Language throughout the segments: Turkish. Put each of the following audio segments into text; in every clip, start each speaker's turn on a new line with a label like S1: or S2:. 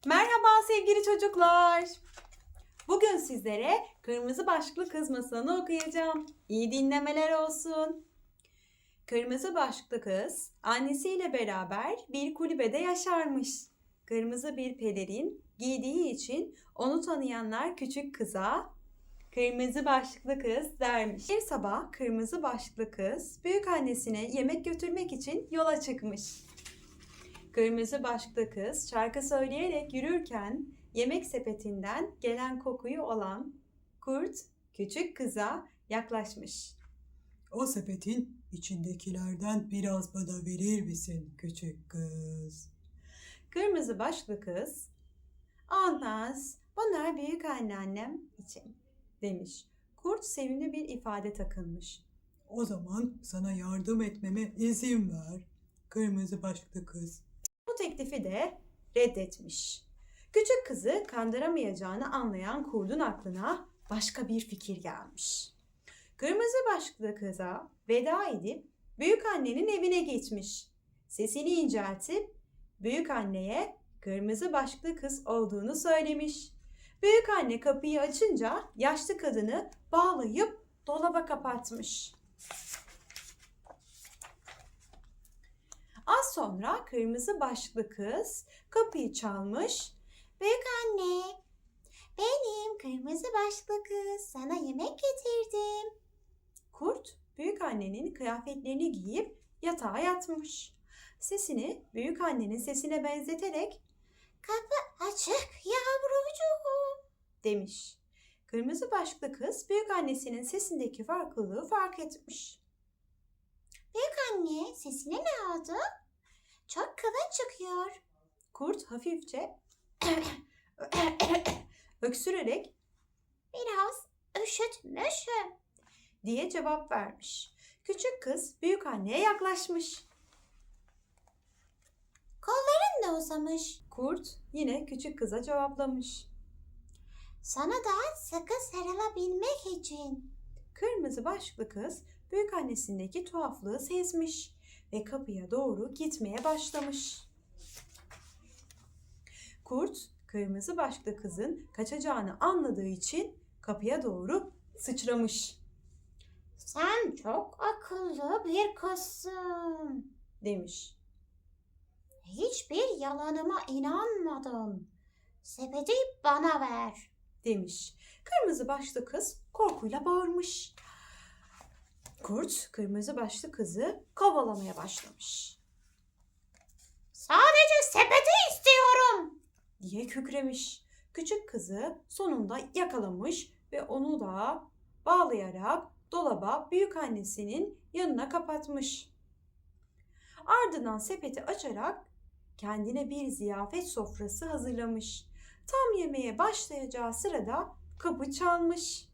S1: Merhaba sevgili çocuklar. Bugün sizlere Kırmızı Başlıklı Kız masalını okuyacağım. İyi dinlemeler olsun. Kırmızı Başlıklı Kız annesiyle beraber bir kulübede yaşarmış. Kırmızı bir pelerin giydiği için onu tanıyanlar küçük kıza Kırmızı Başlıklı Kız dermiş. Bir sabah Kırmızı Başlıklı Kız büyük annesine yemek götürmek için yola çıkmış. Kırmızı başlıklı kız şarkı söyleyerek yürürken yemek sepetinden gelen kokuyu alan kurt küçük kıza yaklaşmış.
S2: O sepetin içindekilerden biraz bana verir misin küçük kız?
S1: Kırmızı başlıklı kız, "Olmaz, bunlar büyük anneannem için," demiş. Kurt sevimli bir ifade takınmış.
S2: O zaman sana yardım etmeme izin ver kırmızı başlıklı kız.
S1: Bu teklifi de reddetmiş. Küçük kızı kandıramayacağını anlayan kurdun aklına başka bir fikir gelmiş. Kırmızı başlıklı kıza veda edip büyük annenin evine gitmiş. Sesini inceltip büyük anneye kırmızı başlıklı kız olduğunu söylemiş. Büyük anne kapıyı açınca yaşlı kadını bağlayıp dolaba kapatmış. Az sonra kırmızı başlıklı kız kapıyı çalmış. "Büyük anne, benim kırmızı başlıklı kız, sana yemek getirdim." Kurt büyük annenin kıyafetlerini giyip yatağa yatmış. Sesini büyük annenin sesine benzeterek "Kapı açık yavrucuğum," demiş. Kırmızı başlıklı kız büyük annesinin sesindeki farklılığı fark etmiş. "Büyük anne, sesine ne oldu? Çok kalın çıkıyor." Kurt hafifçe öksürerek "Biraz üşütmüşüm," diye cevap vermiş. Küçük kız büyük anneye yaklaşmış. "Kolların da uzamış." Kurt yine küçük kıza cevaplamış. "Sana daha sıkı sarılabilmek için." Kırmızı başlıklı kız büyük annesindeki tuhaflığı sezmiş ve kapıya doğru gitmeye başlamış. Kurt kırmızı başlıklı kızın kaçacağını anladığı için kapıya doğru sıçramış. "Sen çok akıllı bir kızsın," demiş. "Hiçbir yalanıma inanmadım. Sepeti bana ver," demiş. Kırmızı başlıklı kız korkuyla bağırmış. Kurt kırmızı başlı kızı kovalamaya başlamış. "Sadece sepeti istiyorum," diye kükremiş. Küçük kızı sonunda yakalamış ve onu da bağlayarak dolaba büyük annesinin yanına kapatmış. Ardından sepeti açarak kendine bir ziyafet sofrası hazırlamış. Tam yemeğe başlayacağı sırada kapı çalmış.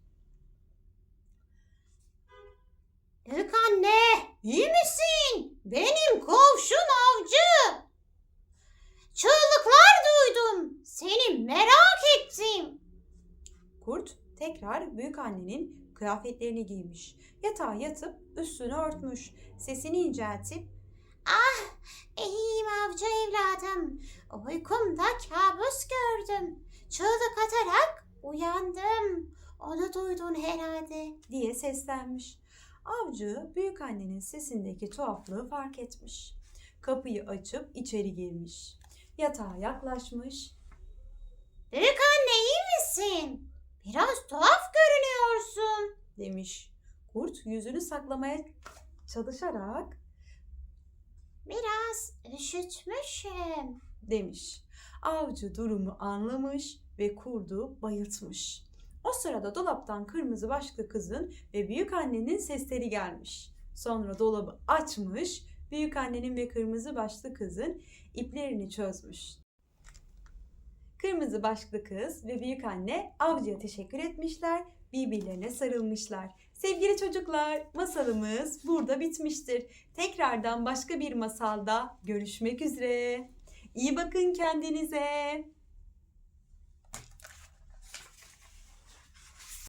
S1: "Büyük anne, iyi misin? Benim komşum avcı. Çığlıklar duydum. Seni merak ettim." Kurt tekrar büyük annenin kıyafetlerini giymiş. Yatağa yatıp üstünü örtmüş. Sesini inceltip "Ah, iyiyim avcı evladım. Uykumda kabus gördüm. Çığlık atarak uyandım. Onu duydun herhalde," diye seslenmiş. Avcı büyük annenin sesindeki tuhaflığı fark etmiş. Kapıyı açıp içeri girmiş. Yatağa yaklaşmış. "Büyük anne, iyi misin? Biraz tuhaf görünüyorsun," demiş. Kurt yüzünü saklamaya çalışarak "Biraz üşütmüşüm," demiş. Avcı durumu anlamış ve kurdu bayıltmış. O sırada dolaptan kırmızı başlıklı kızın ve büyük annenin sesleri gelmiş. Sonra dolabı açmış, büyük annenin ve kırmızı başlıklı kızın iplerini çözmüş. Kırmızı başlıklı kız ve büyük anne avcıya teşekkür etmişler, birbirlerine sarılmışlar. Sevgili çocuklar, masalımız burada bitmiştir. Tekrardan başka bir masalda görüşmek üzere. İyi bakın kendinize.